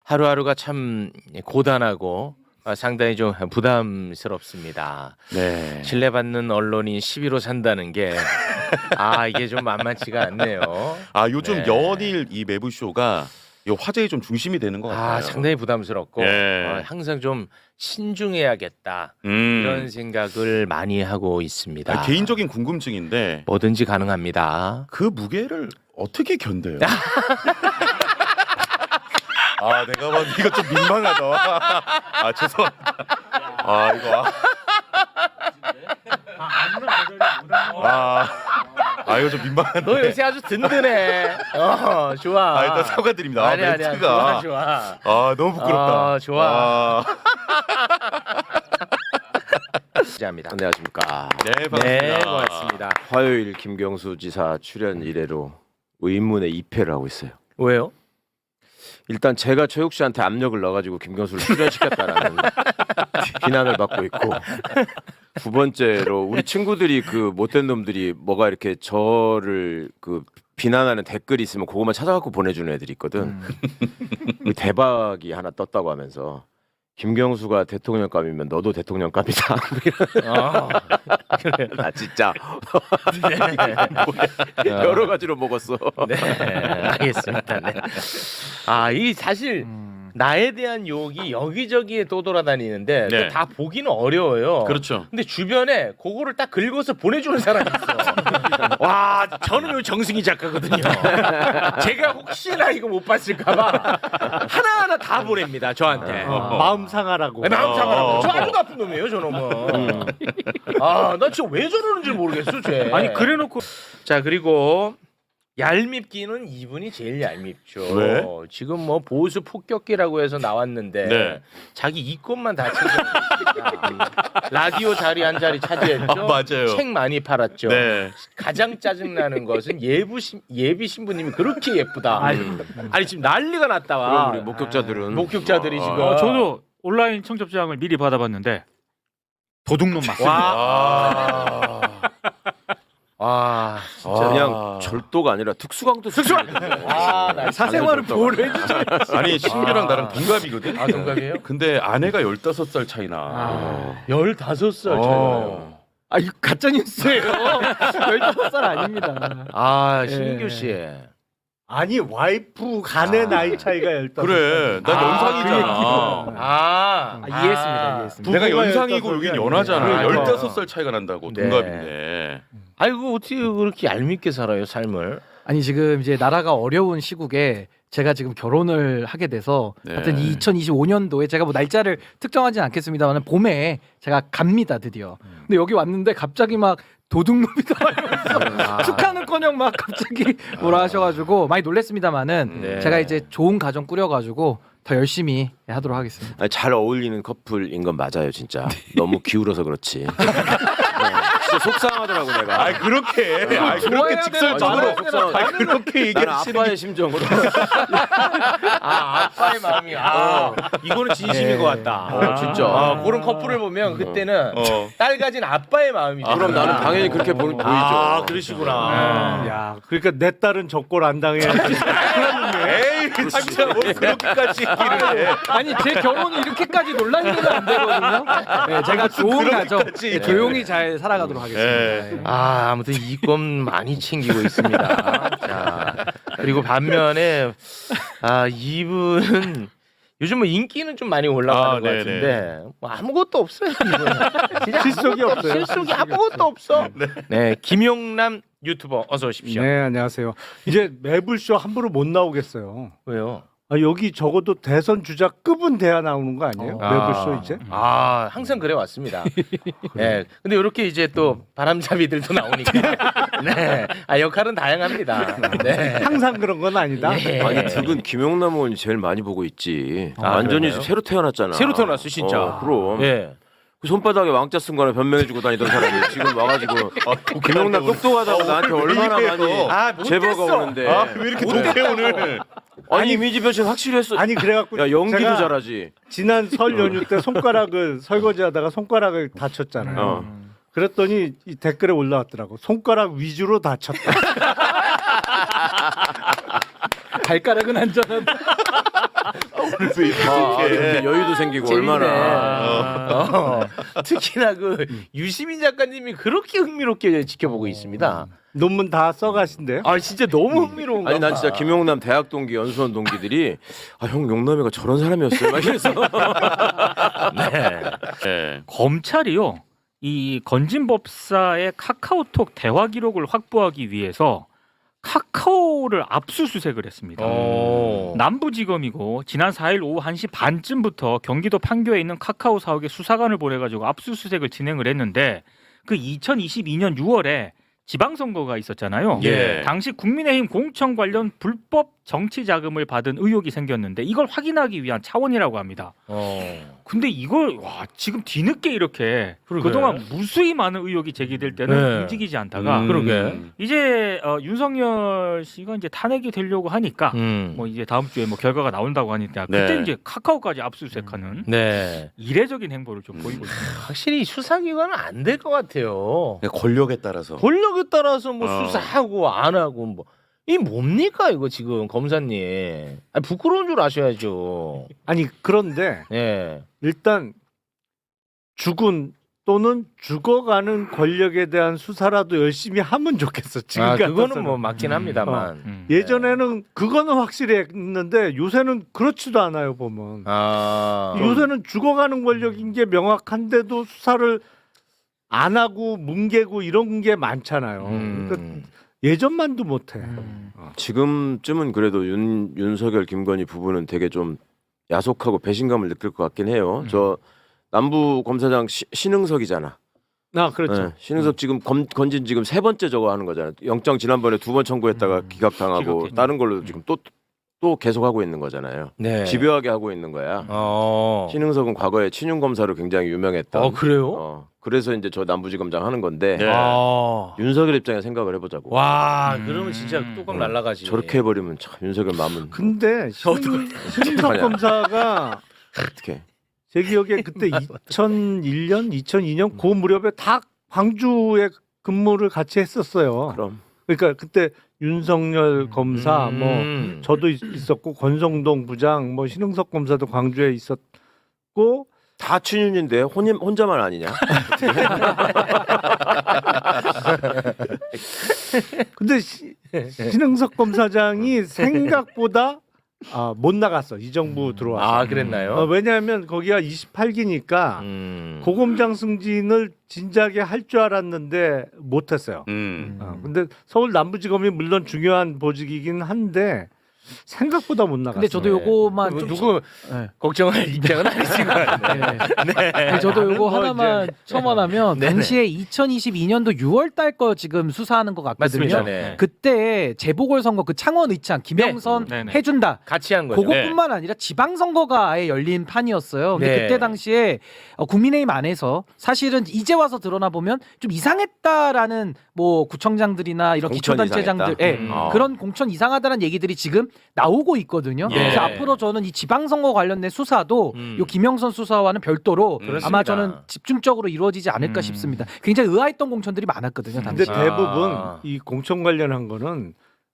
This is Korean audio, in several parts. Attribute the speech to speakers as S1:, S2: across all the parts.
S1: 하루하루가 참 고단하고 상당히 좀 부담스럽습니다.
S2: 네.
S1: 신뢰받는 언론인 11호 산다는 게 이게 좀 만만치가 않네요.
S2: 요즘
S1: 네.
S2: 연일 이 매부쇼가 이 화제의 좀 중심이 되는 것 같아요.
S1: 상당히 부담스럽고
S2: 예.
S1: 항상 좀 신중해야겠다
S2: 음.
S1: 이런 생각을 많이 하고 있습니다.
S2: 개인적인 궁금증인데
S1: 뭐든지 가능합니다.
S2: 그 무게를 어떻게 견뎌요? 내가 봐도 이거 좀 민망하다. 죄송합니다. 이거 좀 민망한데.
S1: 너 요새 아주 든든해. 좋아.
S2: 일단 사과드립니다.
S1: 아니야,
S2: 멘트가.
S1: 좋아.
S2: 너무 부끄럽다.
S1: 좋아. 감사합니다.
S3: 안녕하십니까.
S2: 네, 반갑습니다.
S1: 네, 고맙습니다.
S3: 화요일 김경수 지사 출연 이래로 의문의 2패를 하고 있어요.
S1: 왜요?
S3: 일단 제가 최욱 씨한테 압력을 넣어가지고 김경수를 출연시켰다라는 비난을 받고 있고, 두 번째로 우리 친구들이 그 못된 놈들이 뭐가 이렇게 저를 그 비난하는 댓글이 있으면 그것만 찾아갖고 보내주는 애들이 있거든. 그 대박이 하나 떴다고 하면서 김경수가 대통령감이면 너도 대통령감이다.
S1: 그래요.
S3: 나 진짜
S1: 네.
S3: 여러 가지로 먹었어.
S1: 네, 알겠습니다. 네. 이 사실 나에 대한 욕이 여기저기에 또 돌아다니는데
S2: 네.
S1: 또 다 보기는 어려워요.
S2: 그렇죠.
S1: 근데 주변에 그거를 딱 긁어서 보내주는 사람이 있어. 와, 저는 요 정승희 작가거든요. 제가 혹시나 이거 못 봤을까봐 하나하나 다 보냅니다, 저한테.
S4: 마음 상하라고.
S1: 마음 상하라고. 저 아주 나쁜 놈이에요, 저 놈은. 나 진짜 왜 저러는지 모르겠어, 쟤.
S4: 아니 그래놓고
S1: 자, 그리고 얄밉기는 이분이 제일 얄밉죠.
S2: 왜?
S1: 지금 뭐 보수 폭격기라고 해서 나왔는데
S2: 네.
S1: 자기 이권만 다 챙겼습니다. 라디오 자리 한 자리 차지했죠.
S2: 맞아요.
S1: 책 많이 팔았죠.
S2: 네.
S1: 가장 짜증나는 것은 예비 신부님이 그렇게 예쁘다. 아니 지금 난리가 났다
S3: 그럼
S1: 와.
S3: 우리 목격자들은
S1: 목격자들이 지금.
S4: 저도 온라인 청첩장을 미리 받아봤는데 도둑놈 맞습니다.
S1: 진짜
S3: 그냥 절도가 아니라 특수강도
S1: 나 사생활을 보호해주지.
S2: 아니 신규랑 나랑 동갑이거든.
S1: 동갑이에요?
S2: 근데 아내가 15살 차이나.
S1: 15살 차이나요.
S4: 이거 가짜 뉴스예요. 15살 아닙니다.
S1: 신규 씨.
S4: 아니 와이프 간의 나이 차이가 15살.
S2: 그래. 난 연상이잖아.
S4: 이해했습니다.
S2: 내가
S4: 부부가
S2: 연상이고
S4: 15살이
S2: 여긴
S4: 아니라.
S2: 연하잖아.
S4: 그러니까.
S2: 15살 차이가 난다고.
S1: 네.
S2: 동갑인데.
S1: 아이고 어떻게 그렇게 얄밉게 살아요 삶을?
S5: 아니 지금 이제 나라가 어려운 시국에 제가 지금 결혼을 하게 돼서
S2: 네.
S5: 하여튼 2025년도에 제가 뭐 날짜를 특정하진 않겠습니다만 봄에 제가 갑니다 드디어. 근데 여기 왔는데 갑자기 막 도둑놈이다 이러면서 축하는커녕 막 갑자기 뭐라 하셔가지고 많이 놀랬습니다만은
S1: 네.
S5: 제가 이제 좋은 가정 꾸려가지고 더 열심히 하도록 하겠습니다.
S3: 아니, 잘 어울리는 커플인 건 맞아요, 진짜. 너무 기울어서 그렇지. 진짜 속상하더라고 내가.
S2: 그렇게. 그렇게
S5: 좋아해야
S2: 직설적으로.
S5: 되는 말을
S2: 그렇게
S3: 나는
S2: 얘기하시는
S3: 아빠의 심정으로.
S1: 아빠의 마음이 이거는 진심인 것 같다.
S3: 진짜.
S1: 그런 커플을 보면 그때는
S2: 어.
S1: 딸 가진 아빠의 마음이죠.
S3: 그럼 나는 당연히 그렇게 보이죠.
S1: 그러시구나.
S4: 야, 그러니까 내 딸은 적골 안 당해야지.
S2: 에이, 진짜 뭐 그렇게까지 얘기를 해.
S5: 아니 제 결혼이 이렇게까지 논란이 되면 안 되거든요. 네, 제가 좋은 가정
S2: 그렇게까지.
S5: 조용히 잘 살아가도록 하겠습니다. 네.
S1: 아무튼 이권 많이 챙기고 있습니다. 자, 그리고 반면에 이분은 요즘 뭐 인기는 좀 많이 올라가는 것
S2: 네네.
S1: 같은데 뭐 아무것도 없어요. 이분은. 진짜
S4: 실속이
S1: 아무것도
S4: 없어요.
S1: 실속이 아무것도 없어. 네, 김용남 유튜버 어서 오십시오.
S4: 네, 안녕하세요. 이제 매불쇼 함부로 못 나오겠어요.
S1: 왜요?
S4: 여기 적어도 대선 주자급은 돼야 나오는 거 아니에요? 매불쇼 이제?
S1: 항상 그래 왔습니다. 네, 근데 이렇게 이제 또 바람잡이들도 나오니까 네, 역할은 다양합니다. 네.
S4: 항상 그런 건 아니다.
S1: 예.
S3: 아니 두 분 김용남 의원이 제일 많이 보고 있지. 완전히
S1: 그러나요?
S3: 새로 태어났잖아.
S1: 새로 태어났어 진짜.
S3: 그럼.
S1: 예.
S3: 그 손바닥에 왕자 쓴 거나 변명해주고 다니던 사람이 지금 와가지고 김용남 똑똑하다고 나한테 얼마나 많이 제보가 오는데.
S2: 왜 이렇게 독해 오늘?
S3: 아니 이미지 변신 확실히 했어.
S4: 아니 그래갖고
S3: 야 연기도
S4: 제가
S3: 잘하지.
S4: 지난 설 연휴 때 손가락을 설거지하다가 손가락을 다쳤잖아요. 그랬더니 이 댓글에 올라왔더라고. 손가락 위주로 다쳤다.
S5: 발가락은 안전하다.
S2: 오늘도 이렇게
S3: 여유도 생기고
S1: 재밌네.
S3: 얼마나
S1: 특히나 그 유시민 작가님이 그렇게 흥미롭게 지켜보고 있습니다.
S4: 논문 다 써가신대요.
S1: 아 진짜 너무 흥미로운가
S3: 아니 난 진짜
S1: 봐.
S3: 김용남 대학 동기 연수원 동기들이 아 형 용남이가 저런 사람이었어요 막 이래서
S2: 네.
S6: 검찰이요. 이 건진법사의 카카오톡 대화 기록을 확보하기 위해서 카카오를 압수수색을 했습니다. 남부지검이고 지난 4일 오후 1시 반쯤부터 경기도 판교에 있는 카카오 사옥에 수사관을 보내가지고 압수수색을 진행을 했는데 그 2022년 6월에 지방선거가 있었잖아요.
S2: 예.
S6: 당시 국민의힘 공천 관련 불법 정치 자금을 받은 의혹이 생겼는데 이걸 확인하기 위한 차원이라고 합니다. 근데 이걸 와 지금 뒤늦게 이렇게
S1: 그러게.
S6: 그동안 무수히 많은 의혹이 제기될 때는
S1: 네.
S6: 움직이지 않다가
S1: 그러게.
S6: 이제 윤석열 씨가 이제 탄핵이 되려고 하니까 뭐 이제 다음 주에 뭐 결과가 나온다고 하니까
S2: 네.
S6: 그때 이제 카카오까지 압수수색하는
S1: 네.
S6: 이례적인 행보를 좀 보이고 있습니다.
S1: 확실히 수사기관은 안 될 것 같아요.
S2: 권력에 따라서
S1: 권력에 따라서 뭐
S2: 어.
S1: 수사하고 안 하고 뭐. 이 뭡니까 이거 지금 검사님? 아니, 부끄러운 줄 아셔야죠.
S4: 아니 그런데
S1: 예.
S4: 일단 죽은 또는 죽어가는 권력에 대한 수사라도 열심히 하면 좋겠어. 지금
S1: 아,
S4: 같아서는.
S1: 그거는 뭐 맞긴 합니다만.
S4: 예전에는 그거는 확실히 했는데 요새는 그렇지도 않아요 보면.
S1: 아.
S4: 요새는 죽어가는 권력인 게 명확한데도 수사를 안 하고 뭉개고 이런 게 많잖아요. 그러니까 예전만도 못해.
S3: 지금쯤은 그래도 윤석열 김건희 부부는 되게 좀 야속하고 배신감을 느낄 것 같긴 해요. 저 남부 검사장 신흥석이잖아.
S4: 아 그렇죠.
S3: 네, 신흥석 지금 건진 지금 세 번째 저거 하는 거잖아요. 영장 지난번에 2번 청구했다가 기각당하고
S6: 기각했죠.
S3: 다른 걸로 지금 또 계속 하고 있는 거잖아요.
S1: 네.
S3: 집요하게 하고 있는 거야. 신흥석은 과거에 친윤 검사로 굉장히 유명했던.
S1: 그래요?
S3: 그래서 이제 저 남부지검장 하는 건데
S2: 네.
S1: 아.
S3: 윤석열 입장에 생각을 해보자고.
S1: 와, 그러면 진짜 뚜껑 날라가지.
S3: 저렇게 해버리면 참 윤석열 마음은
S4: 근데 신인석
S3: 어떡하냐.
S4: 검사가
S3: 어떻게?
S4: 제 기억에 그때 2001년, 2002년 그 무렵에 다 광주에 근무를 같이 했었어요.
S3: 그럼
S4: 그러니까 그때 윤석열 검사 뭐 저도 있었고 권성동 부장 뭐 신흥석 검사도 광주에 있었고
S3: 다 친윤인데 혼자만 아니냐?
S4: 근데 신흥석 검사장이 생각보다 못 나갔어. 이 정부 들어와서.
S1: 아, 그랬나요?
S4: 왜냐하면 거기가 28기니까 고검장 승진을 진작에 할 줄 알았는데 못했어요. 근데 서울 남부지검이 물론 중요한 보직이긴 한데 생각보다 못 나갔어요.
S5: 근데 저도 요거만
S1: 누구,
S5: 좀
S1: 누구
S5: 네.
S1: 걱정할 입장은 아니신 것 같아요.
S5: 네, 저도 요거
S4: 뭐
S5: 하나만 첨언하면
S1: 네네.
S5: 당시에 2022년도 6월 달 거 지금 수사하는 것 같거든요.
S1: 맞습니다. 네.
S5: 그때 재보궐선거 그 창원 의창 김영선
S6: 네. 네네.
S5: 해준다.
S1: 같이 한 거죠.
S5: 그것뿐만 아니라 지방선거가 아예 열린 판이었어요. 근데
S1: 네.
S5: 그때 당시에 국민의힘 안에서 사실은 이제 와서 드러나 보면 좀 이상했다라는 뭐 구청장들이나 이런
S3: 공천
S5: 기초단체장들,
S3: 이상했다?
S5: 그런 공천 이상하다는 얘기들이 지금 나오고 있거든요.
S1: 예.
S5: 그래서 앞으로 저는 이 지방선거 관련된 수사도 요 김영선 수사와는 별도로
S1: 그렇습니다.
S5: 아마 저는 집중적으로 이루어지지 않을까 싶습니다. 굉장히 의아했던 공천들이 많았거든요.
S4: 근데
S5: 당시.
S4: 대부분
S1: 아.
S4: 이 공천 관련한 거는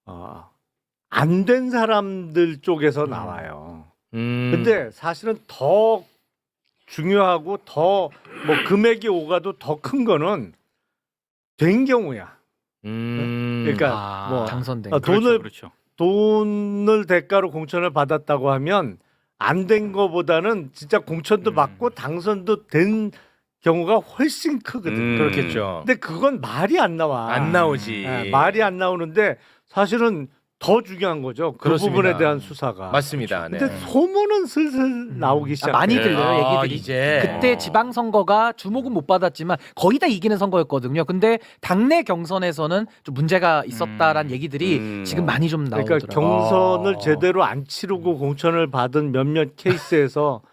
S4: 안 된 사람들 쪽에서 나와요. 근데 사실은 더 중요하고 더 뭐 금액이 오가도 더 큰 거는 된 경우야. 그러니까 뭐
S5: 당선된.
S4: 돈을
S6: 그렇죠.
S4: 돈을 대가로 공천을 받았다고 하면 안 된 거보다는 진짜 공천도 받고 당선도 된 경우가 훨씬 크거든.
S1: 그렇겠죠.
S4: 근데 그건 말이 안 나와.
S1: 안 나오지.
S4: 말이 안 나오는데 사실은 더 중요한 거죠. 그
S1: 그렇습니다.
S4: 부분에 대한 수사가.
S1: 맞습니다. 네.
S4: 근데 소문은 슬슬 나오기 시작.
S5: 많이
S2: 네.
S5: 들려요
S1: 아,
S5: 얘기들이.
S1: 이제.
S5: 그때 지방선거가 주목은 못 받았지만 거의 다 이기는 선거였거든요. 근데 당내 경선에서는 좀 문제가 있었다라는 얘기들이 지금 많이 좀 나오더라고요.
S4: 그러니까 경선을 제대로 안 치르고 공천을 받은 몇몇 케이스에서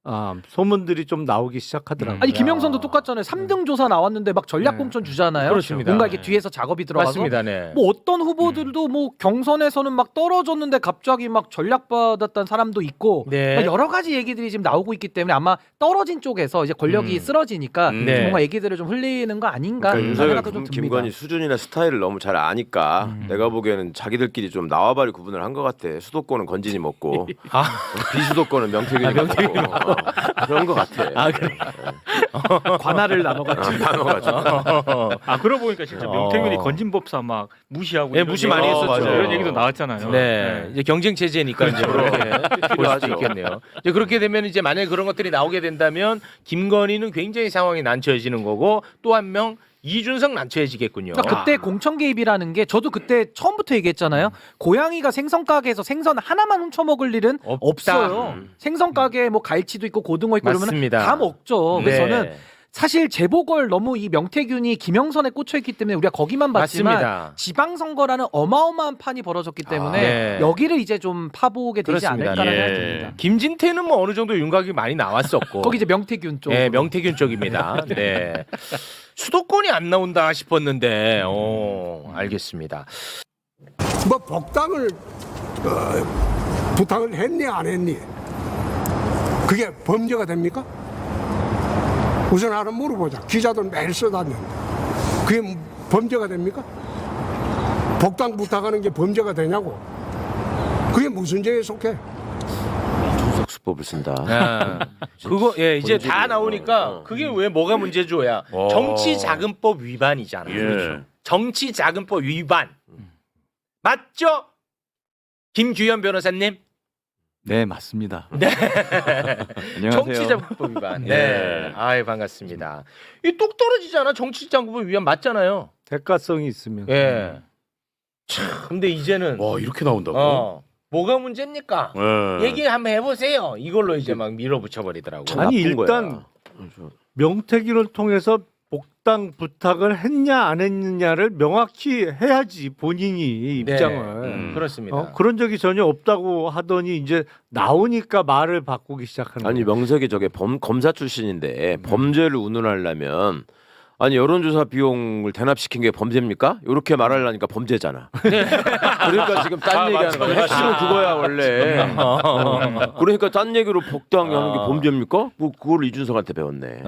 S4: 소문들이 좀 나오기 시작하더라고요.
S5: 아니 김영선도 똑같잖아요. 3등 조사 나왔는데 막 전략 공천 주잖아요.
S1: 그렇습니다.
S5: 뭔가 이게 뒤에서 작업이 들어가서
S1: 맞습니다. 네.
S5: 뭐 어떤 후보들도 뭐 경선에서는 막 떨어졌는데 갑자기 막 전략 받았던 사람도 있고
S1: 네.
S5: 막 여러 가지 얘기들이 지금 나오고 있기 때문에 아마 떨어진 쪽에서 이제 권력이 쓰러지니까
S1: 네.
S5: 뭔가 얘기들을 좀 흘리는 거 아닌가
S3: 그러니까
S5: 하는
S3: 윤석열
S5: 생각도 좀 듭니다.
S3: 김건희 수준이나 스타일을 너무 잘 아니까 내가 보기에는 자기들끼리 좀 나와바리 구분을 한 것 같아. 수도권은 건진이 먹고 비수도권은 명태균이 먹고 그런 것 같아.
S1: 아, 그래.
S5: 관할을 나눠가지고
S3: 나눠가지고.
S6: 아 그러고 보니까 진짜 명태균이 건진법사 막 무시하고
S1: 네,
S6: 이런
S1: 무시 많이
S6: 얘기-
S1: 했었죠.
S6: 이런 얘기도 나왔잖아요.
S1: 네, 이제 경쟁 체제니까 이제 그렇게 볼 수도 있겠네요. 이제 그렇게 되면 이제 만약에 그런 것들이 나오게 된다면 김건희는 굉장히 상황이 난처해지는 거고 또 한 명 이준석 난처해지겠군요.
S5: 그러니까 그때 공천 개입이라는 게 저도 그때 처음부터 얘기했잖아요. 고양이가 생선 가게에서 생선 하나만 훔쳐 먹을 일은
S1: 없다.
S5: 없어요. 생선 가게에 뭐 갈치도 있고 고등어 있고 그러면
S1: 맞습니다.
S5: 다 먹죠. 그래서
S1: 네.
S5: 저는 사실 재보궐 너무 이 명태균이 김영선에 꽂혀 있기 때문에 우리가 거기만 봤지만
S1: 맞습니다.
S5: 지방선거라는 어마어마한 판이 벌어졌기 때문에
S1: 네.
S5: 여기를 이제 좀 파보게 되지
S1: 그렇습니다.
S5: 않을까라는
S2: 예.
S5: 생각이 듭니다.
S1: 김진태는 뭐 어느 정도 윤곽이 많이 나왔었고
S5: 거기 이제 명태균 쪽.
S1: 네, 명태균 쪽입니다. 네. 수도권이 안 나온다 싶었는데, 알겠습니다.
S7: 뭐 복당을 부탁을 했니 안 했니? 그게 범죄가 됩니까? 우선 하나 물어보자. 기자들 매일 써다니는데 그게 범죄가 됩니까? 복당 부탁하는 게 범죄가 되냐고? 그게 무슨 죄에 속해?
S3: 수법을 쓴다.
S1: 아, 그거 예 이제 다
S3: 본질이에요.
S1: 나오니까 그게 왜 뭐가 문제죠야 정치자금법 위반이잖아요.
S2: 예.
S1: 정치자금법 위반 맞죠? 김규현 변호사님.
S8: 네, 맞습니다.
S1: 네.
S8: 안녕하세요.
S1: 정치자금법 위반. 네. 아이 반갑습니다. 이 똑 떨어지잖아. 정치자금법 위반 맞잖아요.
S4: 대가성이 있으면.
S1: 예. 참 근데 이제는
S2: 와 이렇게 나온다고?
S1: 뭐가 문제입니까?
S2: 예.
S1: 얘기 한번 해보세요. 이걸로 이제 막 밀어붙여 버리더라고.
S4: 아니
S3: 나쁜
S4: 일단 명태균을 통해서 복당 부탁을 했냐 안 했느냐를 명확히 해야지 본인이
S1: 네.
S4: 입장을.
S1: 그렇습니다.
S4: 그런 적이 전혀 없다고 하더니 이제 나오니까 말을 바꾸기 시작하는
S3: 아니
S4: 거예요.
S3: 명색이 저게 검사 출신인데 범죄를 운운하려면 아니 여론조사 비용을 대납시킨 게 범죄입니까? 이렇게 말하려니까 범죄잖아. 그러니까 지금 딴 얘기하는 거야. 핵심은 그거야 원래. 그러니까 딴 얘기로 복당하는 게 범죄입니까? 뭐 그걸 이준석한테 배웠네.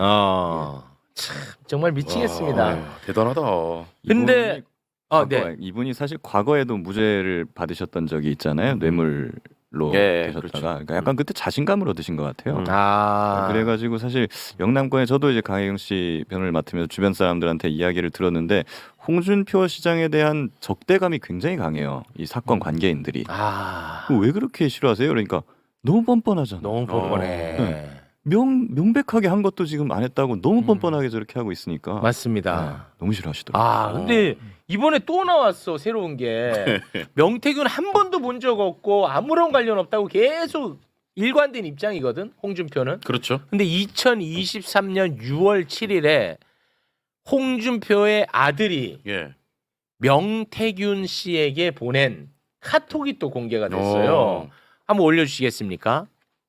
S1: 참 정말 미치겠습니다.
S2: 아유, 대단하다.
S1: 근데 네.
S8: 이분이 사실 과거에도 무죄를 받으셨던 적이 있잖아요. 뇌물로
S3: 예,
S8: 되셨다가
S3: 그렇죠.
S8: 그러니까 약간 그때 자신감을 얻으신 것 같아요.
S1: 아
S8: 그래가지고 사실 영남권에 저도 이제 강혜경 씨 편을 맡으면서 주변 사람들한테 이야기를 들었는데 홍준표 시장에 대한 적대감이 굉장히 강해요. 이 사건 관계인들이 왜 그렇게 싫어하세요? 그러니까 너무 뻔뻔하잖아.
S1: 너무 뻔뻔해.
S8: 네. 명백하게 한 것도 지금 안 했다고 너무 뻔뻔하게 저렇게 하고 있으니까
S1: 맞습니다.
S8: 너무 싫어하시더라고요.
S1: 근데 이번에 또 나왔어 새로운 게 명태균 한 번도 본 적 없고 아무런 관련 없다고 계속 일관된 입장이거든 홍준표는.
S2: 그렇죠.
S1: 근데 2023년 6월 7일에 홍준표의 아들이
S2: 예.
S1: 명태균 씨에게 보낸 카톡이 또 공개가 됐어요.
S2: 어.
S1: 한번 올려주시겠습니까?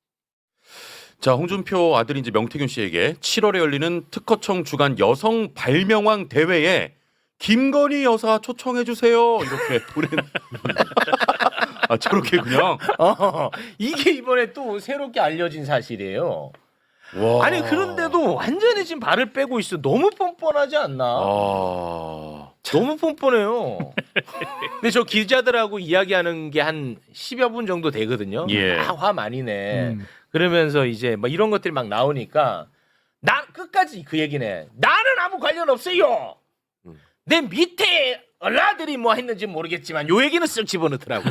S2: 자, 홍준표 아들인 이제 명태균 씨에게 7월에 열리는 특허청 주간 여성 발명왕 대회에 김건희 여사 초청해 주세요. 이렇게 보낸. 아, 저렇게 그냥.
S1: 이게 이번에 또 새롭게 알려진 사실이에요.
S2: 와.
S1: 아니 그런데도 완전히 지금 발을 빼고 있어. 너무 뻔뻔하지 않나? 너무 뻔뻔해요. 근데 저 기자들하고 이야기하는 게 한 10여 분 정도 되거든요.
S2: 예.
S1: 화 많이 내. 그러면서 이제 뭐 이런 것들이 막 나오니까 나 끝까지 그 얘기네. 나는 아무 관련 없어요. 내 밑에 얼라들이 뭐 했는지 모르겠지만 요 얘기는 쓱 집어넣더라고.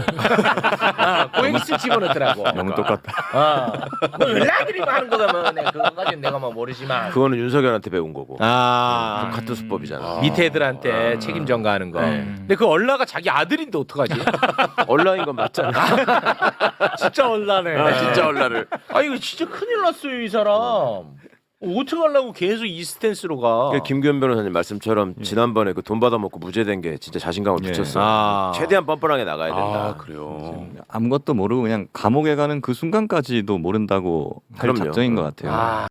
S1: 그 얘기 쓱 집어넣더라고.
S8: 너무 똑같다.
S1: 뭐 얼라들이 뭐 하는 거면 그거까지는 내가 뭐 모르지만.
S3: 그거는 윤석열한테 배운 거고. 같은 수법이잖아.
S1: 밑에 애들한테 책임 전가하는 거. 근데 그 얼라가 자기 아들인데 어떡하지?
S3: 얼라인 건 맞잖아.
S4: 진짜 얼라네.
S3: 진짜 얼라를.
S1: 아 이거 진짜 큰일 났어요 이 사람. 어떻게 하려고 계속 이 스탠스로 가?
S3: 김규현 변호사님 말씀처럼 지난번에 그 돈 받아먹고 무죄된 게 진짜 자신감을
S8: 예.
S3: 붙였어. 최대한 뻔뻔하게 나가야 된다.
S2: 아 그래요.
S8: 아무것도 모르고 그냥 감옥에 가는 그 순간까지도 모른다고 할
S3: 그럼요.
S8: 작정인 것 같아요.